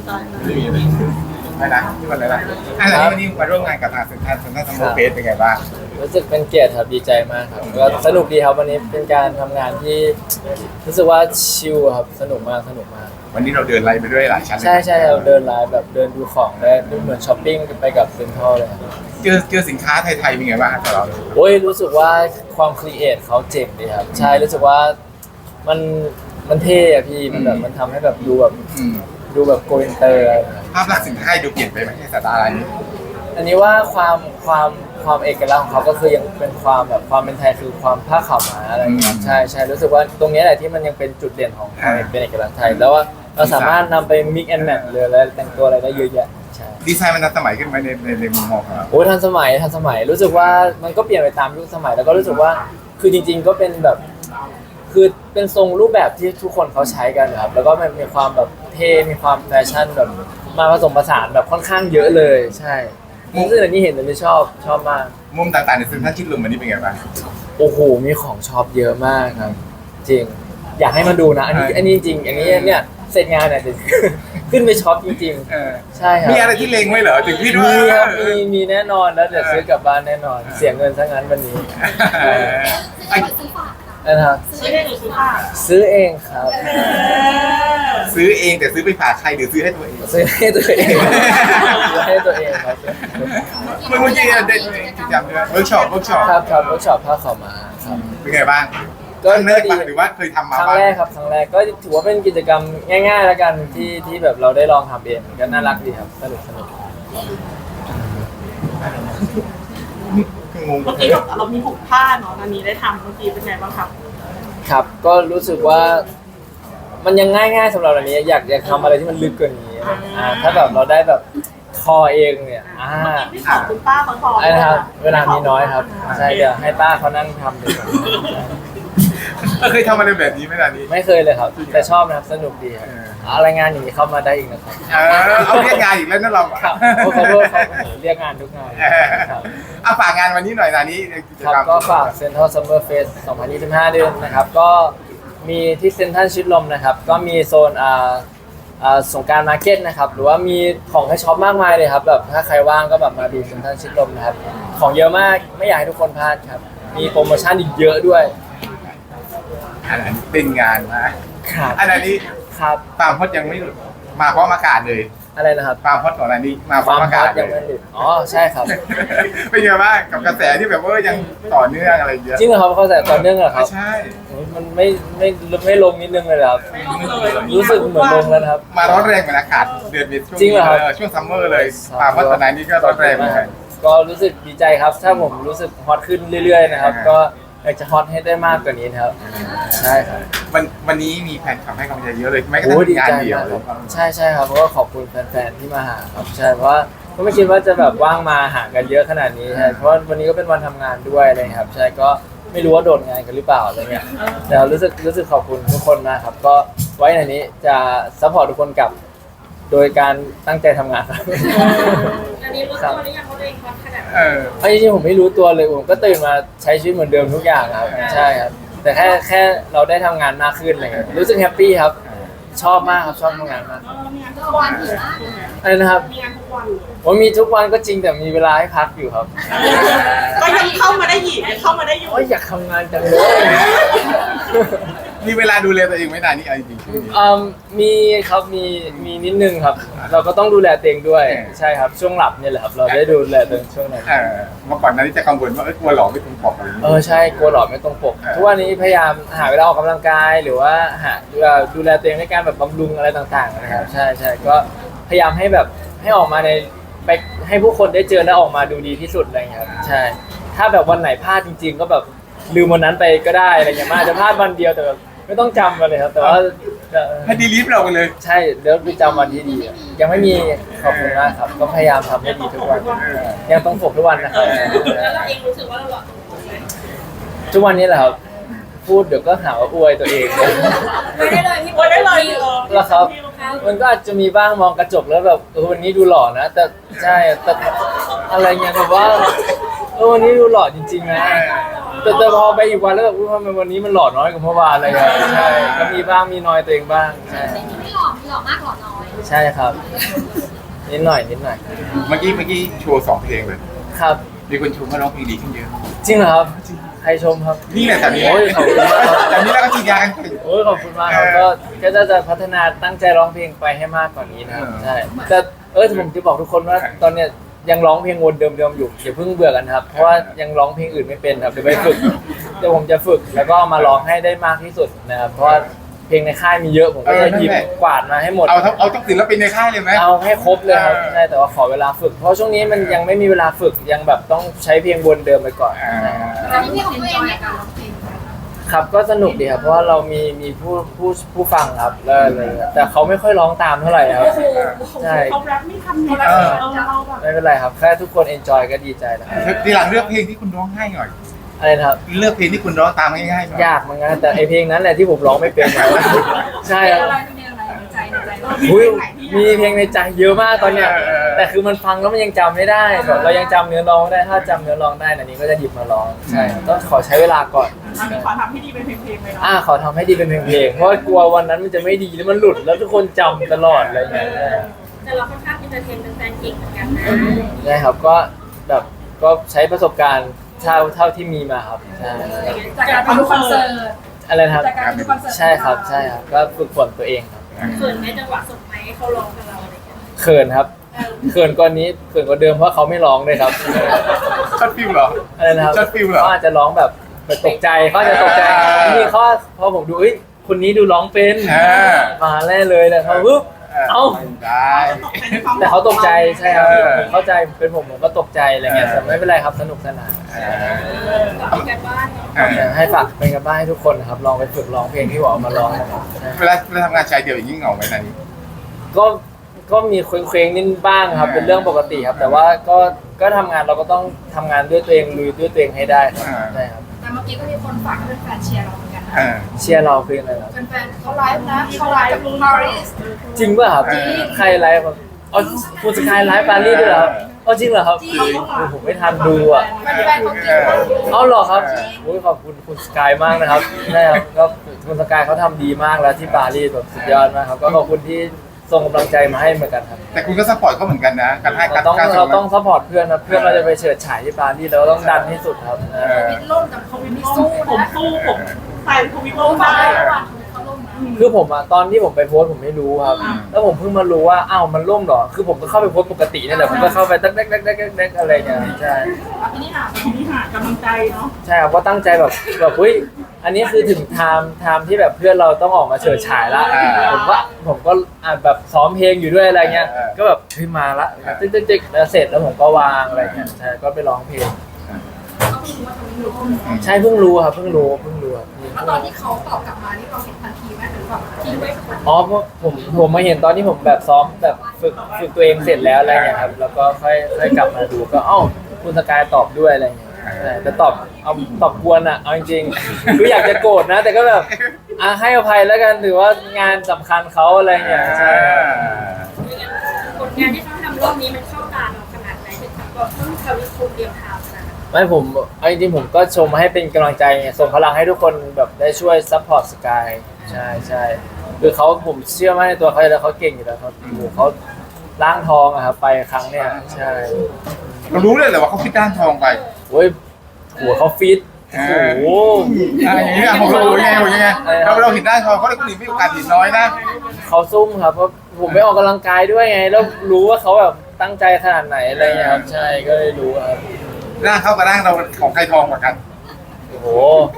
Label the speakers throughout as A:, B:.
A: ตาย
B: ไม่มีเลยไม่นะที่วันอะไรนะวันนี้มาร่วมงานกับทางเซ็นทรัลซัมเมอร์เฟสเป็นไงบ้าง
C: รู้สึกเป็นเกียรติครับดีใจมากครับก็สนุกดีครับวันนี้เป็นการทำงานที่รู้สึกว่าชิลครับสนุกมาก
B: วันนี้เราเดินไล่ไปด้วยหลายชั้น
C: ใช่เราเดินไลฟ์แบบเดินดูของได้เหมือนช้อปปิ้งไปกับเซ็นทรัลเลยครับ
B: เจอสินค้าไทยๆเป็นไงบ้างครับเรา
C: โอ้ยรู้สึกว่าความครีเอทเขาเจ๋งดีครับใช่รู้สึกว่ามันเท่อะพี่มันแบบมันทำให้แบบดูแบบโกอินเตอร์
B: ภาพลักษณ์สินค้าดูเปลี่ยนไปไหมในสายตาอะไรนี้
C: อันนี้ว่าความเอกลักษณ์ของเขาก็คือยังเป็นความแบบความเป็นไทยคือความผ้าขาวม้าอะไรอย่างเงี้ยใช่รู้สึกว่าตรงนี้แหละที่มันยังเป็นจุดเด่นของเขาเป็นเอกลักษณ์ไทยแล้วว่าเราสามารถนำไป mix and match เลยแล้วแต่งตัวอะไรได้เยอะแยะใช่
B: ดีไซน์มันทันสมัยขึ้นไหมในมุมมองของเรา
C: โอ้ทันสมัยรู้สึกว่ามันก็เปลี่ยนไปตามยุคสมัยแล้วก็รู้สึกว่าคือจริงๆก็เป็นแบบคือเป็นทรงรูปแบบที่ทุกคนเขาใช้กันครับแล้วก็มันมีความแบบเท่มีความแฟชั่นแบบมาผสมผสานแบบค่อนข้างเยอะเลยใช่มุมซึ่งอันนี้เห็นแต่ไม่ชอบมาก
B: มุมต่างๆในเซ็นทรัลชิดลมวันนี้เป็นไงบ้าง
C: โอ้โหมีของชอบเยอะมากครับจริงอยากให้มาดูนะอันนี้จริงอันนี้เนี่ยเสร็จงานเนี่ยจะขึ้นไปช็อปจริงๆใช่ครับ
B: มีอะไรที่เล็งไว้เหรอถึงพี่ด้วย
C: มีครับมีแน่นอนแล้วเดี๋ยวซื้อกลับบ้านแน่นอนเสียเงินซะงั้นวันนี้นะครับ
A: ซื้อเองหรือซื้อฝาก
C: ซื้อเองครับ
B: ซื้อเองแต่ซื้อไปฝากใครหรือซื้อให้ตัวเอง
C: ซื้อให้ตัวเองซื้อให้ตัวเองครับ
B: เมื่อกี้ได้กิจกรรมเวิร์กช็อป
C: ครับเวิร์กช็อปผ้าขาวม้าครับ
B: เป็นไงบ้างก็เนิร์ดหรือว่าเคยทำมา
C: ครั้งแรกครับครั้งแรกก็ถือว่าเป็นกิจกรรมง่ายๆแล้วกันที่แบบเราได้ลองทำเองก็น่ารักดีครับสนุก
A: เมื่อกี้เรามี6ผ้าเนาะอันนี้ได้ทำเมื่อกี้เป็นไงบ้างครับ
C: ครับก็รู้สึกว่ามันยังง่ายๆสำหรับอันนี้อยากทำอะไรที่มันลึกกว่านี้ถ้าแบบเราได้แบบคอเองเนี่ย
A: ที่สอนคุณป้าเขาสอน
C: นะครับเวลามีน้อยครับใช่เดี๋ยวให้ป้าเขานั่งทำเลย
B: เคยทำอะไรแบบนี้ไหมล่ะนี้
C: ไม่เคยเลยครับแต่ชอบนะครับสนุกดีครับอะไรงานอย่างนี้เข้ามาได้อีกนะครับ
B: เอาเรียกงานอีกแล้วนั่นเรา
C: ครับขอโทษครับเรียกงานทุกงาน
B: ฝากงานวันนี้หน่อยนะนี้
C: ครับก็ฝาก Central Summer Fest 2025 เดือนนะครับก็มีที่เซ็นทรัลชิดลมนะครับก็มีโซนสงกรานต์มาร์เก็ตนะครับหรือว่ามีของให้ช็อปมากมายเลยครับแบบถ้าใครว่างก็แบบมาดูเซ็นทรัลชิดลมนะครับของเยอะมากไม่อยากให้ทุกคนพลาดครับมีโปรโมชั่นอีกเยอะด้วย
B: อันนั้นเป็นงานนะครับอันนี้
C: ครับ
B: ความฮอตยังไม่มาพร้อมอากาศเลย
C: อะไรนะครับ
B: ความฮอตของอันนี้มาพร้อมอากาศ
C: ยังไม่หยุดอ๋อใช่ครับ
B: เป็นยังไงบ้างกับกระแสที่แบบว่ายังต่อเนื่องอะไรเยอะ
C: จริงเหรอครับเขาแต่ต่อเนื่องเหรอครับ
B: ใช่
C: มันไม่ลงนิดนึงเลยครับรู้สึกเหมือนลงแล้วครับ
B: มาร้อนแรงเหมือนอากาศเดือนเมษายนช่วงซัมเมอร์เลยความฮอตตอนนี้ก็ร้อนแรงเหมือนกัน
C: ก็รู้สึกดีใจครับถ้าผมรู้สึกฮอตขึ้นเรื่อยๆนะครับก็อยากจะฮอตให้ได้มากกว่านี้ครับใช่ครับ
B: วันนี้มีแฟนคลับให้กำลังใจเยอะเลยแม้กระทั่งงานเดียว
C: ใช่ครับเพราะว่าขอบคุณแฟนๆที่มาหาครับใช่เพราะว่าก็ไม่คิดว่าจะแบบว่างมาหากันเยอะขนาดนี้ใช่เพราะวันนี้ก็เป็นวันทำงานด้วยอะไรครับใช่ก็ไม่รู้ว่าโดดงานกันหรือเปล่าอะไรเงี้ยแต่รู้สึกขอบคุณทุกคนนะครับก็ไว้ในนี้จะซัพพอร์ตทุกคนกลับโดยการตั้งใจทำงานครับ
A: อันนี้รู้ตัวหรือยังเขาเองฮอตขนาดไหน
C: จริงๆผมไม่รู้ตัวเลยผมก็ตื่นมาใช้ชีวิตเหมือนเดิมทุกอย่างครับใช่ครับแต่แค่เราได้ทำงานมากขึ้นอะไรเงี้ยรู้สึกแฮปปี้ครับชอบมากครับชอบทำงานมาก
A: มีงานทุกวันอยู่นะ
C: อะไรนะครับ
A: มีงานทุกวัน
C: ผมมีทุกวันก็จริงแต่มีเวลาให้พักอยู่ครับ
A: ก็ยังเข้ามาได้อยู่
C: อยากทำงานจังเลย
B: มีเวลาดูแลตัวเองไม่นานนี่จริง
C: มีครับมีนิดนึงครับเราก็ต้องดูแลตัวเองด้วยใช่ครับช่วงหลับเนี่ยแหละครับเราได้ดูแลตัวเองช่วงนั้น
B: เมื่อก่อนนั้นจะกังวลว่ากลัวหลอกไม่ตรงปกอะไร
C: ใช่กลัวหลอกไม่ตรงปกทุกวันนี้พยายามหาเวลาออกกำลังกายหรือว่าดูแลตัวเองในการแบบบำรุงอะไรต่างๆนะครับใช่ก็พยายามให้แบบให้ออกมาไปให้ผู้คนได้เจอและออกมาดูดีที่สุดอะไรเงี้ยครับใช่ถ้าแบบวันไหนพลาดจริงๆก็แบบลืมวันนั้นไปก็ได้อะไรเงี้ยอาจจะพลาดวันเดียวแต่ไม่ต้องจำมาเลยครับแต่ว่า
B: ให้ดีลิฟต์เราไปเลย
C: ใช่เดี๋ยวไปจำวันที่ดียังไม่มีขอบคุณมากครับก็พยายามทำให้ดีทุกวันยังต้องฝึกทุกวันนะครับ
A: แล้วเราเองรู้สึกว่าเราหล่อ
C: ทุกวันนี้แหละครับพูดเดี๋ยวก็หาว่าอวยตัวเอง
A: ไม่ได้เลยพี่อวยได้เลย
C: แล้วครับมันก็อาจจะมีบ้างมองกระจกแล้วแบบวันนี้ดูหล่อนะแต่ใช่แต่อะไรเงี้ยแบบว่าวันนี้ดูหล่อจริงๆนะแต่พอไปอีกวันแล้วแบบทำไมวันนี้มันหล่อน้อยกว่าเมื่อวานอะไรอย่างเงี้ยใช่ก็มีบ้างมีน้อยตัวเองบ้างใช่
D: ไม่หล่อมากหล่อน้อย
C: ใช่ครับนิดหน่อย
B: เมื่อกี้โชว์2 เพลงเลย
C: ครับ
B: มีคนชมว่าร้องเพลงดีขึ้นเยอะ
C: จริงเหรอครับใครชมครับ
B: นี่แหละแถวนี้
C: โอ้ยขอบคุณมากครับ
B: แถวนี้แล้วก็ฉีดยากันเก่ง
C: โอ้ยขอบคุณมากครับก็จะพัฒนาตั้งใจร้องเพลงไปให้มากกว่านี้นะครับ
B: เออ
C: ใช่แต่ผมจะบอกทุกคนว่าตอนเนี้ยยังร้องเพลงวนเดิมๆอยู่อย่าเพิ่งเบื่อกันครับเพราะว่ายังร้องเพลงอื่นไม่เป็นครับเดี๋ยวไปฝึกเดี๋ยวผมจะฝึกแล้วก็มาร้องให้ได้มากที่สุดนะครับเพราะว่าเพลงในค่ายมีเยอะผมก็จะหยิบกวาดมาให้หมด
B: เอาต้องศิลปินในค่ายเลยไหม
C: เอาให้ครบเลยครับ
B: เออ
C: ใช่แต่ว่าขอเวลาฝึก เพราะช่วงนี้มันยังไม่มีเวลาฝึกยังแบบต้องใช้เพลงวนเดิมไปก่อน
D: แล้วที่ของตัวเองในการร้องเพลง
C: ครับก็สนุกดีครับเพราะว่าเรามีผู้ฟังครับแล้วแต่เขาไม่ค่อยร้องตามเท่าไหร่ครับ ใช่
A: เขาแรปไม่ทำเนี่ยเราแบบ
C: ไม่เป็นไรครับแค่ทุกคนเอนจอยก็ดีใจแล้วครับ
B: ทีหลังเลือกเพลงที่คุณร้องง่ายหน่อย
C: อะไรนะครับ
B: เลือกเพลงที่คุณร้องตามง่ายๆหน่อย
C: ยากเหมือนกันแต่ไอเพลงนั้นแหละที่ผมร้องไม่เป็นครับใช่
D: เพล
C: ค
D: ง
C: รับ
D: อะไรเพลงอะไรในใจเรา
C: อุ๊ยมีเพลงในใจเยอะมากตอนเนี้ยแต่คือมันฟังแล้วมันยังจำไม่ได้แบบเรายังจำเนื้อร้องไม่ได้ถ้าจำเนื้อร้องได้อันนี้ก็จะหยิบมาร้องใช่ต้องขอใช้เวลาก่อน
A: อันนี้ขอทำให้ดีเป็นเพลงๆเลยเนาะ
C: ขอทำให้ดีเป็นเพลงๆเพราะว่ากลัววันนั้นมันจะไม่ดีแล้วมันหลุดแล้วทุกคนจำตลอดอะไรอย่างเงี้ย
E: แต่เราค่อนข้างอินเตอร์เทนเป็นแฟนเก่งเหมือนกันนะ
C: ใช่ครับก็แบบก็ใช้ประสบการณ์เท่าที่มีมาครับใช่
D: จากการไปดูคอนเสิร์ต
C: อะไรนะครับ
D: จากการไปดูคอนเสิร์ต
C: ใช่ครับก็ฝึกฝนตัวเองครับ
E: เขินไหมจังหวะส่งไม้ให้เขาร้องกับเราอะไรอย่างเงี้ย
C: เขินครับเขินกว่านี้เขินกว่าเดิมเพราะเขาไม่ร้องเลยครับ
B: ช็อตฟิลเหรอ
C: อะไรนะครับ
B: ช็อตฟิลเหรอ
C: เขาอาจจะร้องแบบตกใจเขาอาจจะตกใจนี่เขาพอผมดูเอ้ยคนนี้ดูร้องเป็นมาแน่เลยเลยเขาปุ๊บเอ้า
B: ได้
C: แต่เขาตกใจใช่ครับ
B: เออ
C: ผมเข้าใจเป็นผมก็ตกใจอะไรเงี้ยแต่ไม่เป็นไรครับสนุกสนาน
E: ก่อนกันบ้านเนาะ
C: อยากให้ฝากเป็นกันบ้านให้ทุกคนนะครับลองไปฝึกร้องเพลงที่บอกมาร้องนะครับใช่
B: เวลาทำงานชายเดี่ยวอย่างนี้เหงาไหมไหน
C: ก็มีเคว้งๆนิดบ้างครับเป็นเรื่องปกติครับ แต่ว่าก็ทำงานเราก็ต้องทำงานด้วยตัวเองลุยด้วยตัวเองให้ได้ครับใช่ครับ
D: แต่เมื่อกี้ก็มีคนฝากให้เป็นแฟนเชียร์เราเหมือนกันนะ
C: เชียร์เราคืออะไรครับ
D: เป็นแฟนเขาไลฟ์นะเขาไลฟ์กับปารีส
C: จริงป่ะครับใครไลฟ์ครับอ๋อคุณสกายไลฟ์ปารีสด้วยเหรอครับอ๋อจริงเหรอครับผมไม่ทันดูอ่ะ
D: เป็นแฟนของจริงมาก
C: เอาเหรอครับโอ้ยขอบคุณคุณสกายมากนะครับใช่ครับก็คุณสกายเขาทำดีมากแล้วที่ปารีสแบบสุดยอดมากครับก็ขอบคุณที่ส่งกำลังใจมาให้เหมือนกันครับ
B: แต่คุณก็ซัพพอร์ตเขาเหมือนกันนะการให้
C: เราต้องซัพพอร์ตเพื่อนครับเพื่อนเราจะไปเฉิดฉายที่ปารีสเราต้องดันที่สุดครับ
D: วินล่มกับเขาวินนี่
A: สู้
D: สู้
A: ผม
D: นะ
A: สู้ผมใส่ทวิตโล
D: ล่ม
A: มา
D: มา
A: ได้
D: ระหว่างเขาล่มนะ
C: คือผมอะตอนที่ผมไปโพสต์ผมไม่รู้ครับ แล้วผมเพิ่งมารู้ว่าอ้าวมันล่มเหรอคือผมก็เข้าไปโพสต์ปกตินี่แหละผมก็เข้าไปแดกอะไรเงี้ยใช่
D: ทีนี้หา
A: ทีนี้หากำลังใจเนาะ
C: ใช่ครับก็ตั้งใจแบบเฮ้ยอันนี้คือถึงไทม์ที่แบบเพื่อนเราต้องออกมาเฉิดฉายละผมก็แบบซ้อมเพลงอยู่ด้วยอะไรเงี้ยก็แบบเฮ้ยมาละตึ๊กแล้วเสร็จแล้วผมก็วางอะไรเงี้ยใช่ก็ไปร้องเพลง
D: เขาไม่รู้ว่าเขาไม่รู้
C: ใช่เพิ่งรู้ครับเพิ่งรู้ครับ
D: แล้วตอนที่เขาตอบกลับมานี่เราเห็นทันทีไหมหรือแบบทิ้งไว้ก่อน
C: อ๋อเพราะผมมาเห็นตอนที่ผมแบบซ้อมแบบฝึกตัวเองเสร็จแล้วอะไรเงี้ยครับแล้วก็ค่อยกลับมาดูก็เอ้าคุณสกายตอบด้วยอะไรเงี้ยใช่แต่ตอบกวนอ่ะเอาจริงๆคืออยากจะโกรธนะ แต่ก็แบบให้อภัยแล้วกันถือว่างานสำคัญเขาอะไรเงี้ยใช่
E: ผลงานที่เขาทำรอบนี้มันเข้าตาเราขนาดไหนถึงกับว่าต้องทวิตคูเดียวทำนะ
C: ไม่ผมเอาจริงๆผมก็ชมให้เป็นกำลังใจไงส่งพลังให้ทุกคนแบบได้ช่วยซัพพอร์ตสกายใช่คือผมเชื่อมั่นในตัวเขาแล้วเขาเก่งอยู่แล้วครับเขาล้างทองอะครับไปครั้งเนี้ยใช่
B: เรารู้เลยเหรอว่าเขาคิดด้านทองไป
C: โอ้ยหัวเขาฟิตโอ้โห
B: อย่างนี้ผมรู้ยังไงเราเห็นด้านทองเขาเลยคนอื่นไม่โอกาสเห็นน้อยนะ
C: เขาซุ่มครับเพราะผมไปออกกำลังกายด้วยไงแล้วรู้ว่าเขาแบบตั้งใจขนาดไหนอะไรเงี้ยครับใช่ก็เลยรู้ครับ
B: ร่างเขากับร่างเราของใครทองกว่ากัน
C: โอ้โห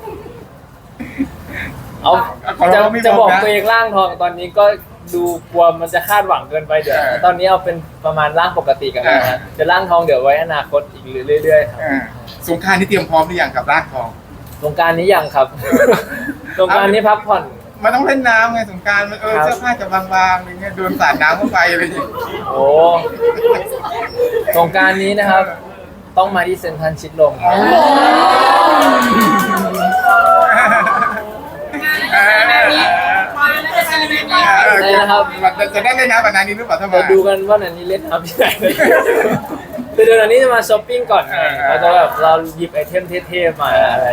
C: เอาจะบอกตัวเองร่างทองตอนนี้ก็ดูกลัวมันจะคาดหวังเกินไปเดี๋ยวตอนนี้เอาเป็นประมาณร่างปกติกันนะจะร่างทองเดี๋ยวไว้อนาคตอีกเรื่อยๆครับ
B: สงครามที่เตรียมพร้อมหรือยังกับร่างทอง
C: สงกรารนี้ยังครับ สงกรารนี้พักผ่อน
B: มันต้องเล่นน้ำไงสงกรารมันเสื้อผ้าจะบางๆอะไรเงี้ยโดนสาดน้ำเข้าไปอะไรอย่างเงี้ย
C: โอ้สงกรารนี้นะครับ ต้องมาที่เซ็นทรัลชิดลมครับ
B: จะได้เล่นน้ำแบบนั้นนี้หรือเปล่าถ้ามา
C: เราดูกันว่านันนี้เล่นน้ำที่ไหนคือเดือนนี้จะมาช้อปปิ้งก่อนไงเราจะแบบเราหยิบไอเทมเท่ๆมาอะไรอย่างงี้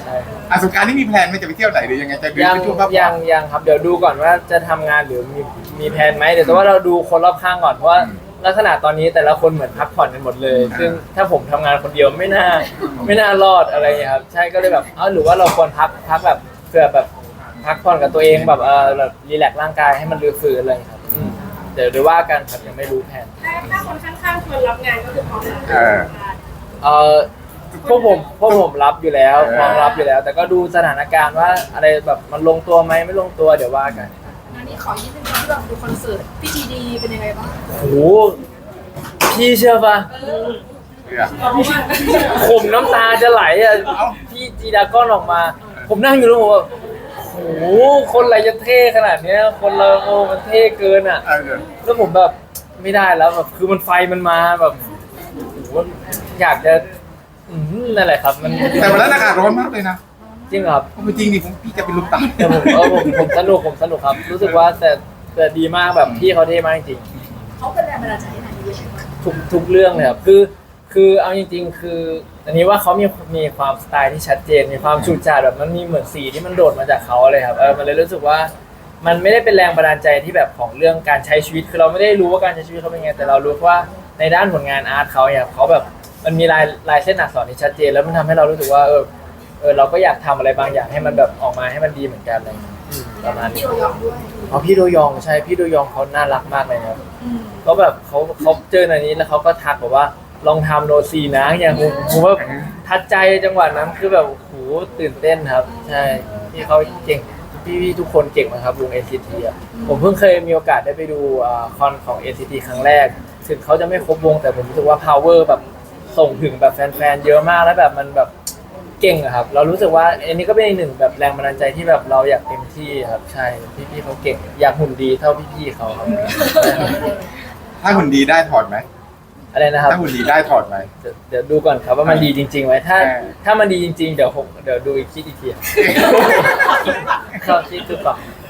C: ใช่ครับ
B: อ่ะสงกรานต์นี่มีแพลนไหม่จะไปเที่ยวไหนหรือยังไงจะดู
C: ยัง
B: ไปช่วงพักผ่
C: ยั
B: อน
C: ยังครับเดี๋ยวดูก่อนว่าจะทำงานหรือมีแผนไหมเดี๋ยวแต่ว่าเราดูคนรอบข้างก่อนเพราะว่าลักษณะตอนนี้แต่ละคนเหมือนพักผ่อนกันหมดเลย ซึ่งถ้าผมทำงานคนเดียวไม่น่ารอดอะไรอย่างเงี้ยครับใช่ก็เลยแบบหรือว่าเราควรพักแบบเพื่อแบบพักผ่อนกับตัวเองแบบแบบรีแลกซ์ร่างกายให้มันรื้อฟื้นอะไรอย่างเลยครับเดี๋ยวว่ากันครับยังไม่รู้แผน
E: ถ้าคนข้างๆชวนรับงานก็คือพร้อมรับ
C: เอ่อพวกผมรับอยู่แล้วพร้อมรับอยู่แล้ว แต่ก็ดูสถานการณ์ว่าอะไรแบบมันลงตัวไหมไม่ลงตัวเดี๋ยวว่ากัน
D: อันนี้ขอยี่สิบที่แบบดูคอนเสิร์ตพี่ทีดีเป็นยังไงบ้าง
C: โอ้โหพี่เชื่อปะ
B: เนี่ย
C: ผมน้ำตาจะไหลอ่ะพี่จีดาก้อนออกมา ผมนั่งอยู่แล้วผมแบบโอ้โหคนอะไรจะเท่ขนาดเนี้ยคนเราโอ้มันเท่เกินอ่ะ แล้วผมแบบไม่ได้แล้วแบบคือมันไฟมันมาแบบโอ้โหอยากจะนั่นแหละครับมัน
B: แต่วันนั้นอากาศร้อนมากเลยนะ
C: จริงเหรอครับ
B: เอาจริงดิพี่จะเป็นลมตาย
C: แต่ผมสนุกครับ รู้สึกว่าแต่ดีมากแบบพี่เขาเท่มากจริง
D: เขาเป็นแรงบันดาลใจให้นายเยอะไหม
C: ทุกเรื่องเลยครับคือเอาจริงๆคืออันนี้ว่าเขามีความสไตล์ที่ชัดเจนมีความฉูดฉาดแบบมันมีเหมือนสีที่มันโดดมาจากเขาเลยครับมันเลยรู้สึกว่ามันไม่ได้เป็นแรงบันดาลใจที่แบบของเรื่องการใช้ชีวิตคือเราไม่ได้รู้ว่าการใช้ชีวิตเขาเป็นไงแต่เรารู้ว่าในด้านผลงานอาร์ตเขาเนี่ยเขาแบบมันมีลายเส้นอักษรที่ชัดเจนแล้วมันทำให้เรารู้สึกว่าเราก็อยากทำอะไรบางอย่างให้มันแบบออกมาให้มันดีเหมือนกันอะไรอย่างเงี้ยประมาณนี้
D: พี่โอยองด้วย
C: พี่โดยองใช่พี่โดยองเขาน่ารักมากเลยครับก็แบบเขาเจอในนี้แล้วเขาก็ทักบอกว่าลองทำโนซีนะอย่างผมว่าทัดใจจังหวะนั้นคือแบบโหตื่นเต้นครับใช่พี่เขาเก่งพี่ทุกคนเก่งมากครับวง NCT อ่ะผมเพิ่งเคยมีโอกาสได้ไปดูคอนของ NCT ครั้งแรกถึงเขาจะไม่ครบวงแต่ผมรู้สึกว่า power แบบส่งถึงแบบแฟนๆเยอะมากแล้วแบบมันแบบเก่งอะครับเรารู้สึกว่าอันนี้ก็เป็นอีกหนึ่งแบบแรงบันดาลใจที่แบบเราอยากเต็มที่ครับใช่พี่เขาเก่งอยากหุ่นดีเท่าพี่เขาครับ
B: ถ้าหุ่นดีได้ถอดไหม
C: อะไรนะครับ
B: ถ้าหุ่นดีได้ถอดไหม
C: เดี๋ยวดูก่อนครับว่ามันดีจริงๆไหมถ้ามันดีจริงๆเดี๋ยวดูอีกที เข้าคิดดูก่อน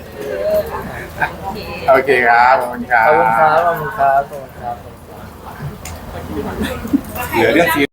B: โอเคครับขอบคุณครั
C: ขอบคุณครับ
B: บ
C: ขอบคุณครับขอบคุณครับ
B: เหลือเรื่องซี